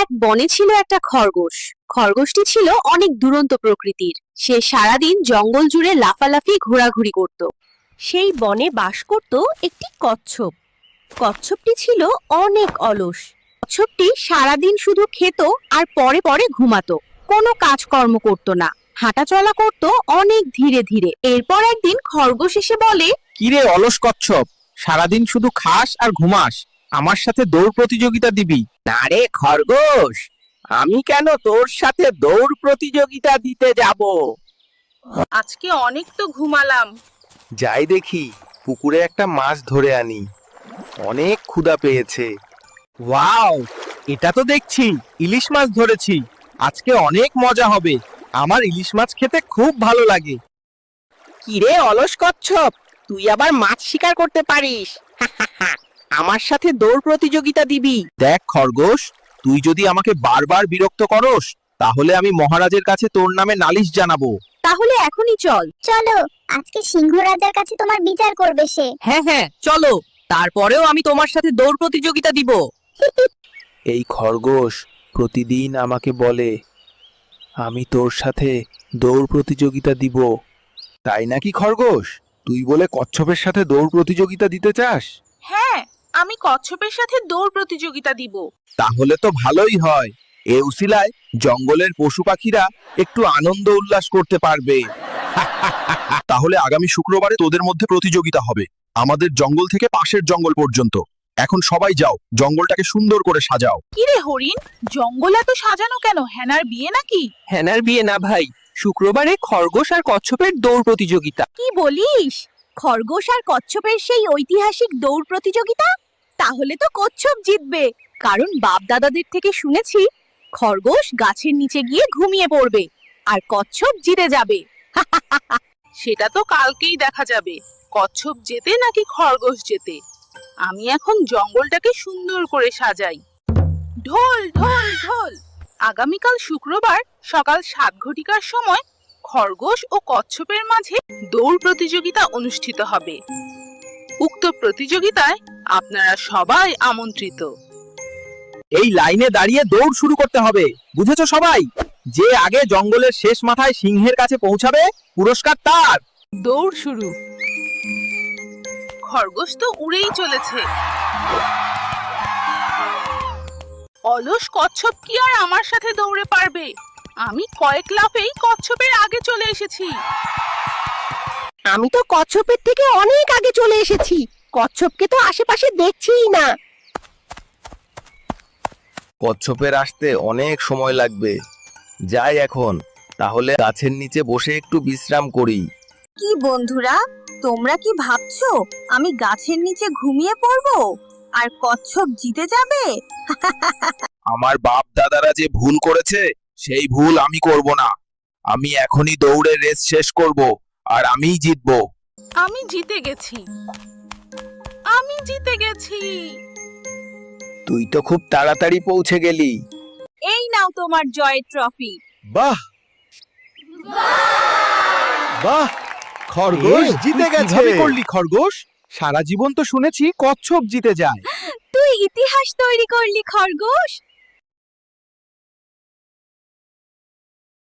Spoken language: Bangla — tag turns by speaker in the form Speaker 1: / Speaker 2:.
Speaker 1: এক বনে ছিল একটা খরগোশ। খরগোশটি ছিল অনেক দুরন্ত প্রকৃতির। সে সারাদিন জঙ্গল জুড়ে লাফালাফি ঘোরাঘুরি করত। সেই বনে বাস করত একটি কচ্ছপ। কচ্ছপটি ছিল অনেক অলস। কচ্ছপটি সারাদিন শুধু খেত আর পরে পরে ঘুমাতো। কোনো কাজকর্ম করত না, হাঁটাচলা করত অনেক ধীরে ধীরে। এরপর একদিন খরগোশ এসে বলে,
Speaker 2: কিরে অলস কচ্ছপ, সারাদিন শুধু খাস আর ঘুমাস, আমার সাথে দৌড় প্রতিযোগিতা দিবি? না রে খরগোশ, আমি কেন তোর সাথে দৌড় প্রতিযোগিতা দিতে যাব?
Speaker 3: আজকে অনেক তো ঘুমালাম।
Speaker 4: যাই দেখি পুকুরে একটা মাছ ধরে আনি, অনেক ক্ষুধা পেয়েছে।
Speaker 2: ওয়াও, এটা তো দেখছি ইলিশ মাছ ধরেছি। আজকে অনেক মজা হবে, আমার ইলিশ মাছ খেতে খুব ভালো লাগে। কিরে অলস কচ্ছপ, তুই আবার মাছ শিকার করতে পারিস? আমার সাথে দৌড় প্রতিযোগিতা দিবি? দেখ খরগোশ, তুই যদি আমাকে বারবার বিরক্ত করস, তাহলে আমি মহারাজের কাছে তোর নামে নালিশ জানাবো।
Speaker 1: তাহলে এখনই চল।
Speaker 5: চলো, আজকে সিংহ রাজার কাছে তোমার বিচার করবে সে।
Speaker 6: হ্যাঁ হ্যাঁ চলো, তারপরেও আমি তোমার সাথে দৌড় প্রতিযোগিতা দিব।
Speaker 4: এই খরগোশ প্রতিদিন আমাকে বলে আমি তোর সাথে দৌড় প্রতিযোগিতা দিব। তাই নাকি খরগোশ, তুই বলে কচ্ছপের সাথে দৌড় প্রতিযোগিতা দিতে চাস?
Speaker 3: হ্যাঁ, আমি কচ্ছপের সাথে দৌড় প্রতিযোগিতা দিব।
Speaker 2: তাহলে তো ভালোই হয়, এ উসিলায় জঙ্গলের পশু পাখিরা একটু আনন্দ উল্লাস করতে পারবে। তাহলে আগামী শুক্রবারে তোদের মধ্যে প্রতিযোগিতা হবে, আমাদের জঙ্গল থেকে পাশের জঙ্গল পর্যন্ত। এখন সবাই যাও, জঙ্গলটাকে সুন্দর করে সাজাও।
Speaker 3: কিরে হরিণ, জঙ্গল এত সাজানো কেন? হেনার বিয়ে নাকি?
Speaker 6: হ্যানার বিয়ে না ভাই, শুক্রবারে খরগোশ আর কচ্ছপের দৌড় প্রতিযোগিতা।
Speaker 1: কি বলিস? খরগোশ আর কচ্ছপের সেই ঐতিহাসিক দৌড় প্রতিযোগিতা? তাহলে তো কচ্ছপ জিতবে, কারণ বাপ দাদাদের থেকে শুনেছি খরগোশ গাছের নিচে গিয়ে ঘুমিয়ে পড়বে আর কচ্ছপ জিতে যাবে।
Speaker 3: সেটা তো কালকেই দেখা যাবে, কচ্ছপ জেতে নাকি খরগোশ জেতে। আমি এখন জঙ্গলটাকে সুন্দর করে সাজাই। ঢোল ঢোল ঢোল। আগামীকাল শুক্রবার সকাল 7 ঘটিকার সময় খরগোশ ও কচ্ছপের মাঝে দৌড় প্রতিযোগিতা অনুষ্ঠিত হবে। উক্ত প্রতিযোগিতায় আপনারা সবাই আমন্ত্রিত।
Speaker 2: এই লাইনে দাঁড়িয়ে দৌড় শুরু করতে হবে, বুঝেছো সবাই? যে আগে জঙ্গলের শেষ মাথায় সিংহের কাছে পৌঁছাবে, পুরস্কার তার।
Speaker 3: দৌড় শুরু। খরগোশ তো উড়েই চলেছে। অলস কচ্ছপ কি আর আমার সাথে দৌড়ে পারবে? আমি কয়েক লাফেই কচ্ছপের আগে চলে এসেছি।
Speaker 1: আমি তো কচ্ছপের থেকে অনেক আগে চলে এসেছি, কচ্ছপকে তো আশেপাশে দেখছিই না।
Speaker 4: কচ্ছপের আসতে অনেক সময় লাগবে। যাই এখন, তাহলে গাছের নিচে বসে একটু বিশ্রাম করি।
Speaker 1: কি বন্ধুরা, তোমরা কি ভাবছো আমি গাছের নিচে ঘুমিয়ে পড়বো আর কচ্ছপ জিতে যাবে?
Speaker 2: আমার বাপ দাদারা যে ভুল করেছে, সেই ভুল আমি করব না। আমি এখনই দৌড়ে রেস শেষ করব আর আমিই জিতবো।
Speaker 3: আমি জিতে গেছি, আমি জিতে গেছি।
Speaker 4: তুই তো খুব তাড়াতাড়ি পৌঁছে গেলি।
Speaker 1: এই নাও তোমার জয়ের ট্রফি।
Speaker 4: বাহ বাহ, খরগোশ জিতে গেছে।
Speaker 2: কিভাবে করলি খরগোশ? সারা জীবন তো শুনেছি কচ্ছপ জিতে যায়।
Speaker 1: তুই ইতিহাস তৈরি করলি খরগোশ।